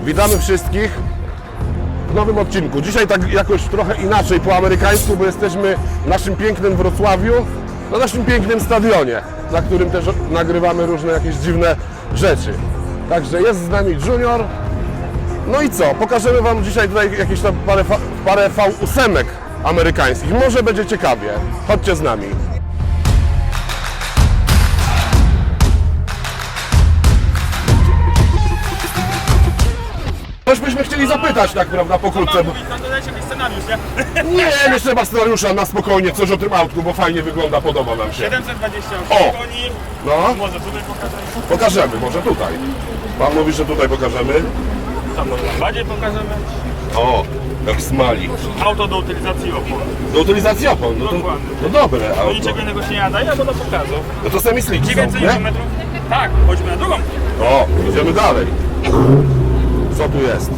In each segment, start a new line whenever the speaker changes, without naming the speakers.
Witamy wszystkich w nowym odcinku. Dzisiaj tak jakoś trochę inaczej po amerykańsku, bo jesteśmy w naszym pięknym Wrocławiu, na naszym pięknym stadionie, na którym też nagrywamy różne jakieś dziwne rzeczy. Także jest z nami Junior. No i co? Pokażemy Wam dzisiaj tutaj jakieś tam parę V8 amerykańskich. Może będzie ciekawie. Chodźcie z nami. Coś byśmy chcieli zapytać, tak prawda, pokrótce.
Tam dodać jakiś scenariusz, nie?
Nie, nie trzeba scenariusza, na spokojnie, coś o tym autku, bo fajnie wygląda, podoba nam się.
728
O!
koni.
No,
Może tutaj pokażemy.
pokażemy, może tutaj. Pan mówi, że tutaj pokażemy.
Tam może bardziej pokażemy.
O, jak smali.
Auto do utylizacji opon.
Do utylizacji opon, no to,
Dokładnie.
no dobre
Do
auto.
niczego innego się nie nadaje, albo do pokazu.
No to sami sliki są,
900
nie?
Nm. Tak, chodźmy na drugą.
O, idziemy dalej. Co tu jest?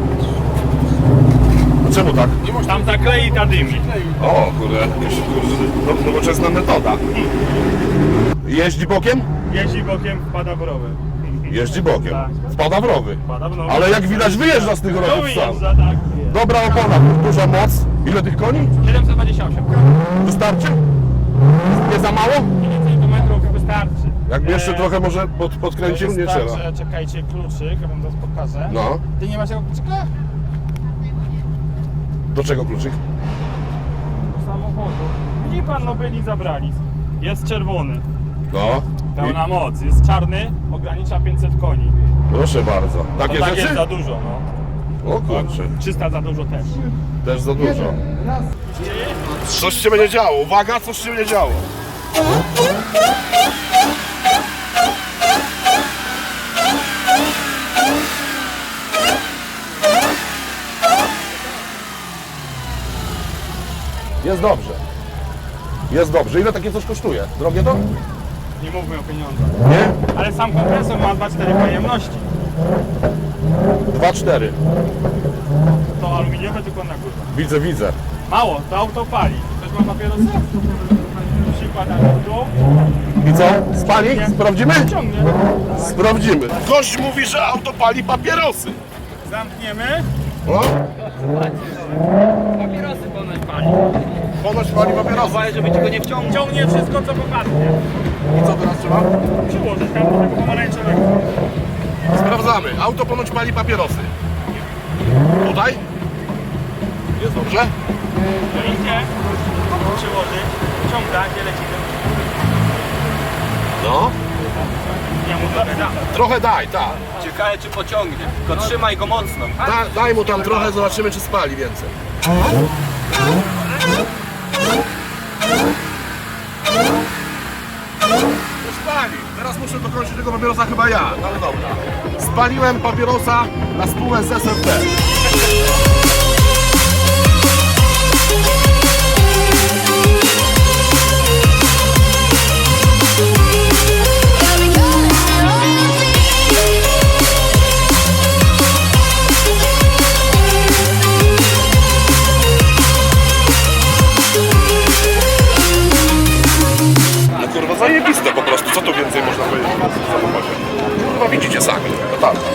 A czemu tak?
Tam ta klei, ta dymi.
O, kurde, jakaś nowoczesna metoda. Jeździ bokiem?
Jeździ bokiem, wpada w rowy.
Jeździ bokiem.
Tak.
Wpada w rowy.
Wpada w rowy.
Ale jak widać wyjeżdża z tych
To
rowów sam.
wyjeżdża, tak.
Dobra opona, duża moc. Ile tych koni?
728.
Wystarczy? Nie za mało?
900 Nm wystarczy.
Jakby jeszcze trochę może podkręcił, nie trzeba.
Wystarczy, czekajcie, kluczyk, ja wam zaraz pokażę.
No.
Ty nie masz tego kluczyka?
Do czego kluczyk?
Do samochodu. Widzi pan, no byli zabrali. Jest czerwony.
No.
Pełna moc. Jest czarny, ogranicza 500 koni.
Proszę bardzo. Takie
To tak
rzeczy?
jest za dużo, no.
O kurczę,
300 za dużo też.
też za dużo. Coś się będzie działo. Uwaga, coś się będzie działo. Jest dobrze. Jest dobrze. Ile takie coś kosztuje? Drogie to?
Nie mówmy o pieniądzach.
Nie?
Ale sam kompresor ma 2,4 pojemności.
2,4.
To aluminiowe tylko na górze.
Widzę, widzę.
Mało, to auto pali. Ktoś ma papierosy? Przykład na tu.
I co? Spali? Sprawdzimy?
Ciągnie.
Sprawdzimy. Gość mówi, że auto pali papierosy.
Zamkniemy.
O?
Papierosy ponoć pali.
Ponoć pali papierosy.
Żeby ci go nie wciągnął. Ciągnie wszystko, co popadnie.
I co teraz trzeba?
Przyłożyć tam do tego pomarańczowego.
Sprawdzamy. Auto ponoć pali papierosy. Tutaj? Jest dobrze?
No idzie. Przyłożyć. Ciąga, gdzie lecimy.
No.
Ja mu trochę dam.
Trochę daj, tak.
Ciekawe czy pociągnie, tylko trzymaj go mocno.
Daj mu tam trochę, zobaczymy czy spali więcej. To spali. Teraz muszę dokończyć tego papierosa chyba ja, no ale dobra. Spaliłem papierosa na spółę z SFT. No kurwa zajebiste po prostu, co tu więcej można powiedzieć w samochodzie? Kurwa widzicie sami, no tak.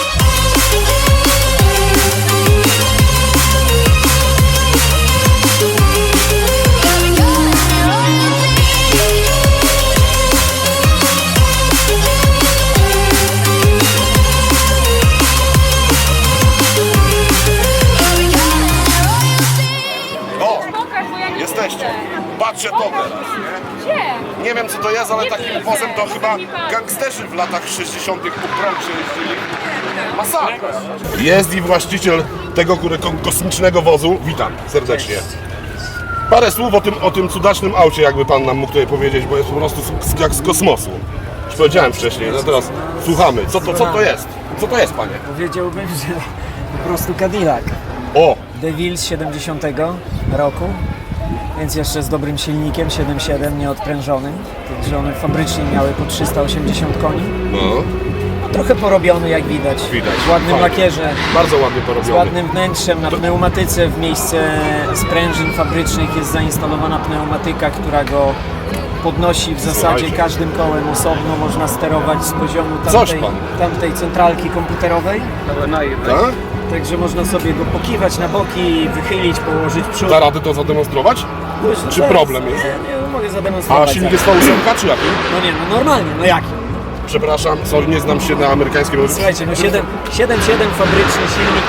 O, jesteście. Patrzcie to teraz, nie?
Gdzie?
Nie wiem co to jest, ale
Nie
takim
widzę.
wozem to chyba
Mi pan.
gangsterzy w latach 60. po prądzie jeździli. Masakra. Jest i właściciel tego kosmicznego wozu. Witam serdecznie. Parę słów o tym cudacznym aucie, jakby pan nam mógł tutaj powiedzieć, bo jest po prostu jak z kosmosu. Już powiedziałem wcześniej, no teraz słuchamy. Co to jest? Co to jest, panie?
Powiedziałbym, że po prostu Cadillac.
O!
DeVille z 70 roku, więc jeszcze z dobrym silnikiem, 7.7, nieodprężonym. Także one fabrycznie miały po 380 koni.
No,
No, trochę porobiony, jak widać.
Widać.
W ładnym
Fajnie.
lakierze,
bardzo ładnie
z
porobiony.
ładnym wnętrzem. Na pneumatyce w miejsce sprężyn fabrycznych jest zainstalowana pneumatyka, która go podnosi w zasadzie
Słuchajcie.
każdym kołem osobno, można sterować z poziomu
Coś pan.
tamtej centralki komputerowej.
Tak?
Także można sobie go pokiwać na boki, wychylić, położyć przód.
Da rady to zademonstrować? Czy problem jest?
Nie mogę
A
zademonstrować.
silnik jest V8 czy jaki?
No nie, no normalnie, no jaki?
Przepraszam, sorry, nie znam się na amerykańskim.
Słuchajcie, no 7.7 fabryczny silnik,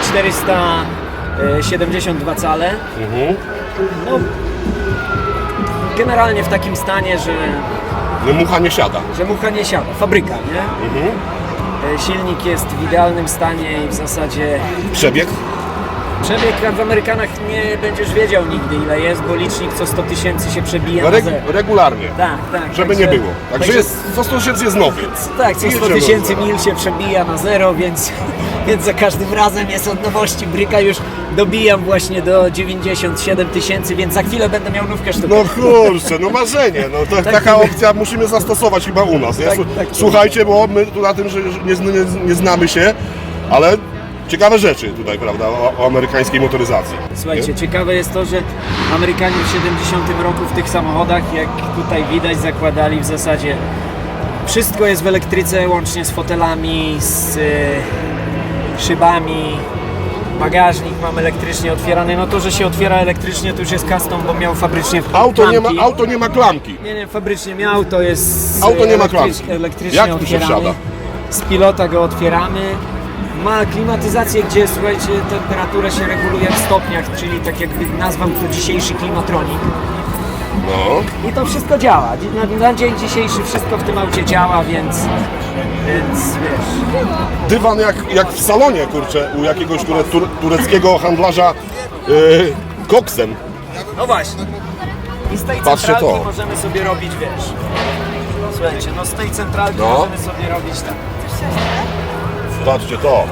472 cale. No, generalnie w takim stanie,
No mucha nie siada.
że mucha nie siada. Fabryka, nie? Silnik jest w idealnym stanie i w zasadzie
Przebieg?
przebieg w Amerykanach nie będziesz wiedział nigdy ile jest, bo licznik co 100 tysięcy się przebija
No
na zero.
regularnie.
Tak, tak.
Żeby nie było. Także jest, co 100 tysięcy jest nowy.
Tak, co 100
Jedziemy
tysięcy
od zera.
mil się przebija na zero, więc za każdym razem jest od nowości bryka, już dobijam właśnie do 97 tysięcy, więc za chwilę będę miał nówkę sztukę.
No kurczę, no marzenie. No to, taka opcja musimy zastosować chyba u nas. Nie?
Tak, tak.
Słuchajcie, bo my tu na tym, że nie znamy się, ale ciekawe rzeczy tutaj, prawda, o amerykańskiej motoryzacji.
Słuchajcie, ciekawe jest to, że Amerykanie w 70 roku w tych samochodach, jak tutaj widać, zakładali w zasadzie wszystko jest w elektryce, łącznie z fotelami, z szybami. Bagażnik mam elektrycznie otwierany. No to, że się otwiera elektrycznie, to już jest custom, bo miał fabrycznie klamki.
Auto nie ma klamki.
Nie, fabrycznie miał, to jest
Auto nie ma klamki.
elektrycznie
Jak tu się
otwierany.
wsiada?
Z pilota go otwieramy. Ma klimatyzację, gdzie słuchajcie, temperaturę się reguluje w stopniach, czyli tak jakby nazwam to dzisiejszy klimatronik.
No.
I to wszystko działa. Na dzień dzisiejszy wszystko w tym aucie działa, więc wiesz.
Dywan jak w salonie, kurczę, u jakiegoś tureckiego handlarza koksem.
No właśnie. I z tej
Patrzcie
centralki
to.
możemy sobie robić, wiesz. Słuchajcie, no z tej centralki
No.
możemy sobie robić tak.
Zobaczcie to.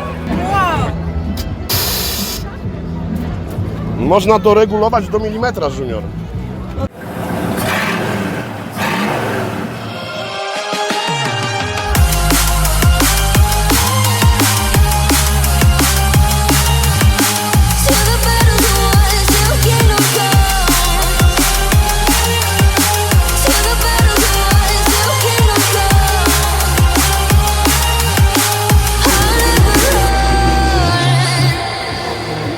Można doregulować do milimetra, Junior.
To the battles won, still kingdom come. To the battles won, still kingdom come. I'll never run.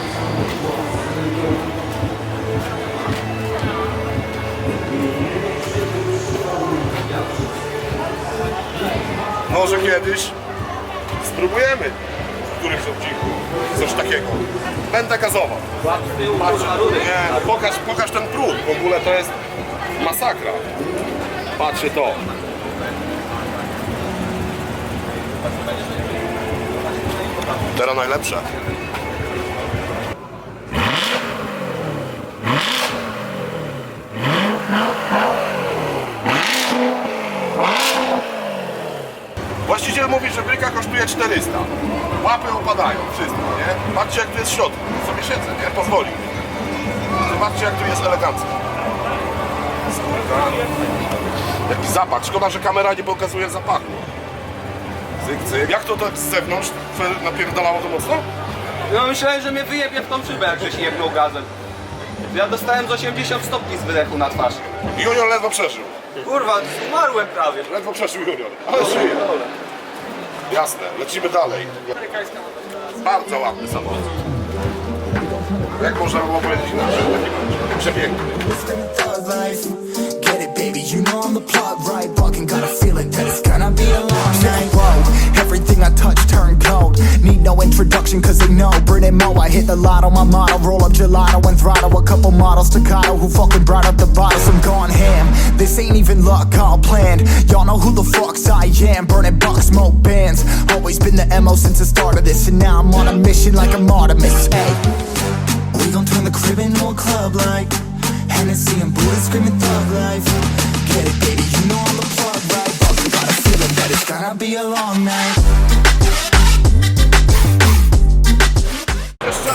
Może kiedyś spróbujemy w którymś odcinku coś takiego. Będę gazował. Patrz, nie, no pokaż ten pród. W ogóle to jest masakra. Patrzcie to. Teraz najlepsze. Właściciel mówi, że bryka kosztuje 400. Łapy opadają, wszystko, nie? Patrzcie, jak tu jest w środku. Sobie siedzę, nie? Pozwoli. Zobaczcie, jak tu jest elegancko. Skórka. Jaki zapach. Szkoda, że kamera nie pokazuje zapachu. Cyk, cyk. Jak to tak z zewnątrz napierdalało to mocno?
No myślałem, że mnie wyjebie w tą szybę, jak żeś jebnął gazem. Ja dostałem z 80 stopni z wydechu na twarz.
Junior ledwo przeżył.
Kurwa, umarłem prawie.
Ledwo przeżył Junior. Ale żyje. Jasne, lecimy dalej. Bardzo ładny samochód. Jak można było powiedzieć inaczej? Taki przepiękny.
Thug life. Get it, baby, you know I'm the plug, right? Fucking got a feeling that it's gonna be a long night. Whoa, everything I touch turn cold. Need no introduction, cause they know Brit Mo, I hit the lotto, my motto. Roll up gelato and throttle a couple models staccato who fucking brought up the bottles. I'm gone ham. This ain't even luck, all planned. Y'all know who the fucks I am. Burning bucks, smoke bands. Always been the MO since the start of this. And now I'm on a mission like I'm Artemis. Hey, we gon' turn the crib into a club like Hennessy and Buddha screaming thug life. Get it, baby, you know I'm the plug, right? Fucking got a feeling that it's gonna be a long night.
Jeszcze?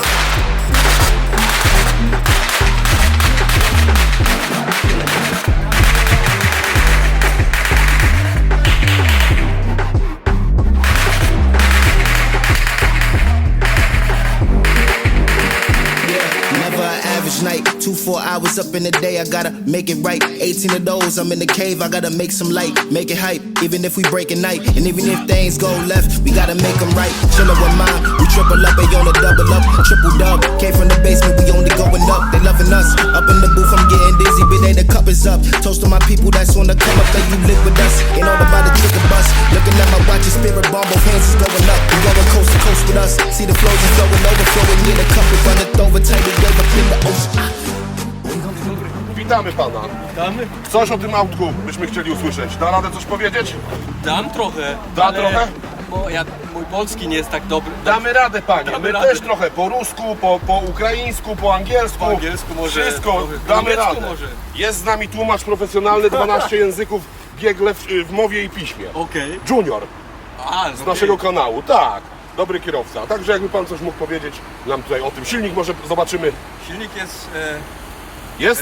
Never an average night, too 24 hours up in the day, I gotta make it right. 18 of those, I'm in the cave, I gotta make some light, make it hype. Even if we break at night, and even if things go left, we gotta make them right. Chillin' with mine, we triple up, they on a double up, triple dub. Came from the basement, we only going up, they loving us. Up in the booth, I'm getting dizzy, but they the cup is up. Toast to my people that's on the come up, that you live with us. Ain't all about the trick of bus. Looking at my watch, your spirit bomb, both hands is going up. We going coast to coast with us. See the flows is flowing, overflowing, yeah, the cup is running over, tight, we wave up in the ocean.
Witamy pana.
Damy?
Coś o tym autku byśmy chcieli usłyszeć. Da radę coś powiedzieć?
Dam trochę.
Da
ale-
trochę?
Bo mój polski nie jest tak dobry.
Damy radę, panie.
Damy
My
radę.
też trochę po rusku, po ukraińsku, po angielsku.
Po angielsku może,
Wszystko
trochę. Po
damy
niemiecku
radę.
może.
Jest z nami tłumacz profesjonalny, 12 języków biegle w mowie i piśmie.
Okej.
Junior
A,
z naszego kanału, tak. Dobry kierowca. Także jakby pan coś mógł powiedzieć nam tutaj o tym. Silnik może zobaczymy.
Silnik jest...
Jest?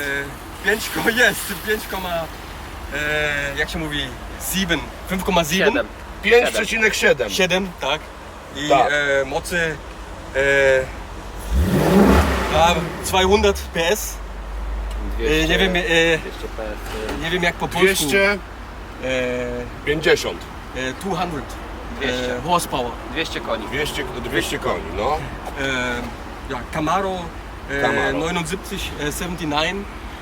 5, jak się mówi? 7. 5,7.
5,7.
7, tak. I
Tak.
mocy... 200 PS. Nie wiem, nie wiem jak po polsku.
250.
200 horsepower.
200 koni.
200 koni, no.
Ja, Camaro,
Camaro.
79, 79.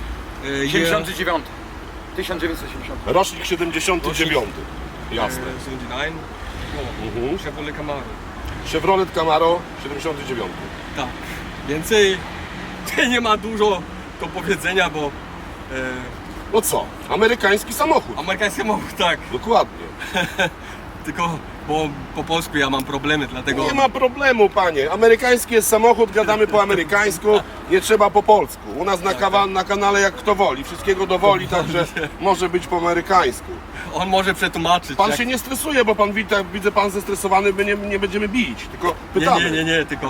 79. 1980.
Rocznik 79. Jasne.
79.
Mhm.
Chevrolet Camaro.
Chevrolet Camaro 79.
Tak. Więcej nie ma dużo do powiedzenia, bo
No co? Amerykański samochód.
amerykański samochód, tak.
Dokładnie.
Tylko, bo po polsku ja mam problemy, dlatego...
Nie ma problemu, panie. Amerykański jest samochód, gadamy po amerykańsku, nie trzeba po polsku. U nas na kanale jak kto woli, wszystkiego dowoli, także może być po amerykańsku.
On może przetłumaczyć.
Pan
jak...
się nie stresuje, bo pan widzę pan zestresowany, my nie będziemy bić, tylko pytamy.
Nie, tylko...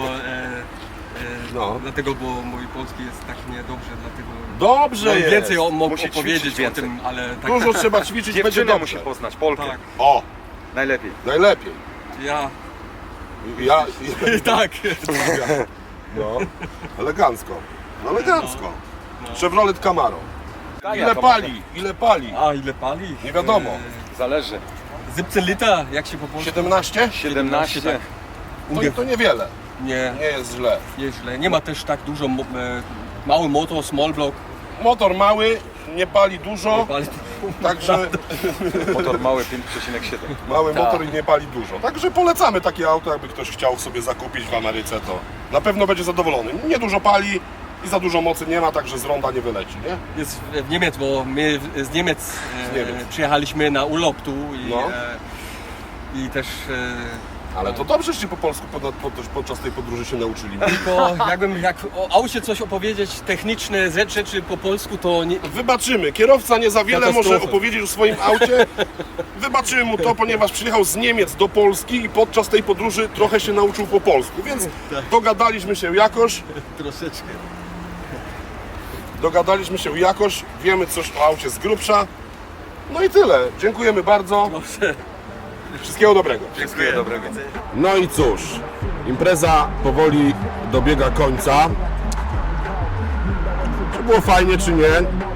No.
Dlatego, bo mój polski jest tak niedobrze, dlatego...
Dobrze
Mam
jest.
więcej mógł
Musi
opowiedzieć
ćwiczyć
o
więcej.
tym, ale tak...
Dużo trzeba ćwiczyć, będzie
Dziewczynę
dobrze.
musi poznać, Polkę.
Tak,
O,
Najlepiej.
najlepiej.
ja...
Ja,
tak.
no, elegancko. No, elegancko. Chevrolet Camaro.
Tania
Ile
to
pali? Ile pali?
A ile pali?
Nie wiadomo.
Zależy.
17 liter, jak się po polsku...
17?
17.
tak.
To niewiele.
Nie,
Nie jest źle.
nie źle. Nie ma też tak dużo... mały motor, small block.
Motor mały, nie pali dużo,
Pali...
także
Motor mały 5,7.
mały motor i nie pali dużo. Także polecamy takie auto, jakby ktoś chciał sobie zakupić w Ameryce, to na pewno będzie zadowolony. Nie dużo pali i za dużo mocy nie ma, także z ronda nie wyleci, nie?
Jest w Niemiec, bo my z Niemiec,
Niemiec.
przyjechaliśmy na urlop tu i,
No.
I też
Ale to dobrze, że się po polsku podczas tej podróży się nauczyli.
tylko jakbym jak o aucie coś opowiedzieć, techniczne rzeczy po polsku, to nie,
Wybaczymy, kierowca nie za wiele może
Katastrofa.
opowiedzieć o swoim aucie. Wybaczymy mu to, ponieważ przyjechał z Niemiec do Polski i podczas tej podróży trochę się nauczył po polsku, więc dogadaliśmy się jakoś.
troszeczkę.
Dogadaliśmy się jakoś, wiemy coś o aucie z grubsza. No i tyle. Dziękujemy bardzo.
Proszę.
Wszystkiego dobrego.
Dziękuję, dobrego.
No i cóż, impreza powoli dobiega końca. Czy było fajnie, czy nie?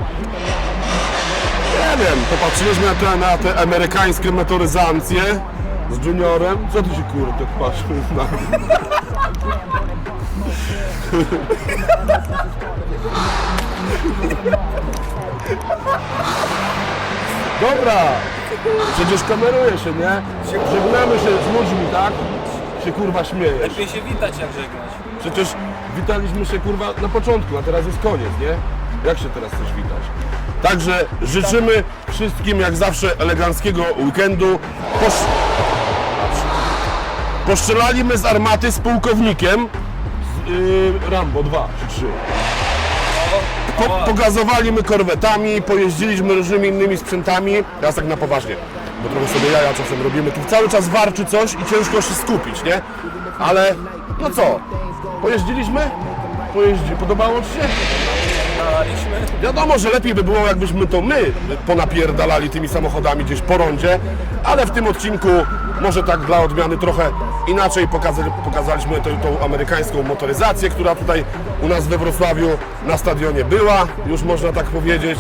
Nie wiem, popatrzyliśmy na te amerykańskie motoryzacje z Juniorem. Co ty się kurde tak patrzysz na... Dobra, przecież kameruje się, nie? Żegnamy się z ludźmi, tak? Się kurwa śmiejesz.
Lepiej się witać jak żegnać.
Przecież witaliśmy się kurwa na początku, a teraz jest koniec, nie? Jak się teraz chcesz witać? Także życzymy wszystkim jak zawsze eleganckiego weekendu. Postrzelaliśmy z armaty z pułkownikiem z Rambo 2 czy 3. Pogazowaliśmy korwetami, pojeździliśmy różnymi innymi sprzętami. Teraz tak na poważnie, bo trochę sobie jaja czasem robimy. Tu cały czas warczy coś i ciężko się skupić, nie? Ale no co? Pojeździliśmy? Podobało ci się? Wiadomo, że lepiej by było, jakbyśmy to my ponapierdalali tymi samochodami gdzieś po rondzie, ale w tym odcinku Może tak dla odmiany trochę inaczej pokazaliśmy tą amerykańską motoryzację, która tutaj u nas we Wrocławiu na stadionie była, już można tak powiedzieć.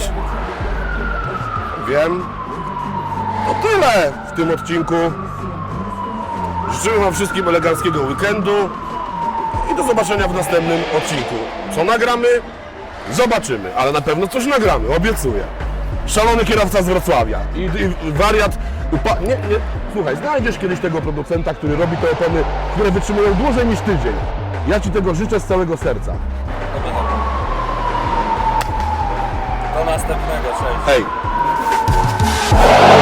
Wiem. To tyle w tym odcinku. Życzymy Wam wszystkim eleganckiego weekendu i do zobaczenia w następnym odcinku. Co nagramy? Zobaczymy, ale na pewno coś nagramy, obiecuję. Szalony kierowca z Wrocławia i wariat. Słuchaj, znajdziesz kiedyś tego producenta, który robi te opony, które wytrzymują dłużej niż tydzień. Ja Ci tego życzę z całego serca.
Do następnego, cześć.
Hej!